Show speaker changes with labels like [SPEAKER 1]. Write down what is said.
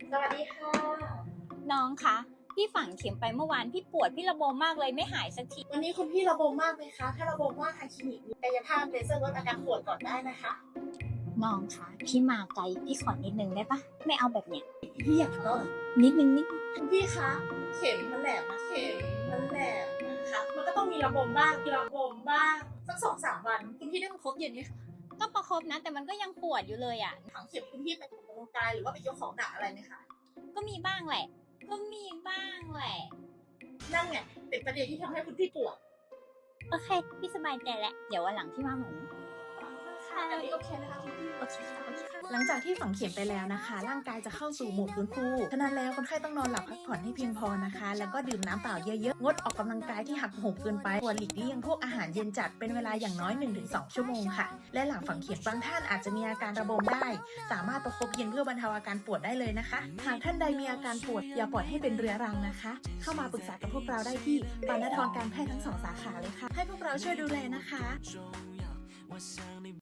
[SPEAKER 1] สวัสดีค่ะ
[SPEAKER 2] น้องคะพี่ฝังเข็มไปเมื่อวานพี่ปวดพี่ระบมมากเลยไม่หายสักที
[SPEAKER 1] วันนี้คุณพี่ระบมมากไหมคะถ้าระบมมากทางคลินิกมีกายภาพเลเซอร์ลดอาการปวดก่อนได้นะคะ
[SPEAKER 2] น้องคะพี่มาไกลพี่ขอนิดนึงได้ปะไม่เอาแบบเนี้ย
[SPEAKER 1] พี่อยากก็
[SPEAKER 2] นิดนึง
[SPEAKER 1] คุณพี่คะเข็มมันแหลมนะเข็มมันแหลมนะคะมันก็ต้องมีระบมบ้างมีระบมบ้างสัก2-3 วันคุณพี่ได้มาครบเย็นไหมคะ
[SPEAKER 2] ก็ประคบนะแต่มันก็ยังปวดอยู่เลยอ่ะ
[SPEAKER 1] ถังเข็มคุณพี่ไปออกกำลังกายหรือว่าไปยกของหนักอะไรไหมคะ
[SPEAKER 2] ก็มีบ้างแหละก็มีบ้างแหละ
[SPEAKER 1] นั่นไงเป็นประเด็นที่ทำให้คุณพี่ปวด
[SPEAKER 2] โอเคพี่สบายใจแล้วเดี๋ยววันหลังพี่มาเหมือน
[SPEAKER 1] ค่ะอันนี้โอเคนะคะคุณพี่
[SPEAKER 2] โอเคค่ะโอเคค่ะ
[SPEAKER 3] หลังจากที่ฝังเข็มไปแล้วนะคะ ร่างกายจะเข้าสู่โหมดฟื้นฟูฉะนั้นแล้วคนไข้ต้องนอนหลับพักผ่อนให้เพียงพอนะคะ แล้วก็ดื่มน้ำเปล่าเยอะๆงดออกกำลังกายที่หักโหมเกินไปควรหลีกเลี่ยงพวกอาหารเย็นจัดเป็นเวลาอย่างน้อย 1-2 ชั่วโมงค่ะและหลังฝังเข็มบางท่านอาจจะมีอาการระบมได้สามารถประคบเย็นเพื่อบรรเทาอาการปวดได้เลยนะคะหากท่านใดมีอาการปวดอย่าปล่อยให้เป็นเรื้อรังนะคะเข้ามาปรึกษากับพวกเราได้ที่ปานธรการแพทย์ทั้ง2 สาขาเลยค่ะให้พวกเราช่วยดูแลนะคะ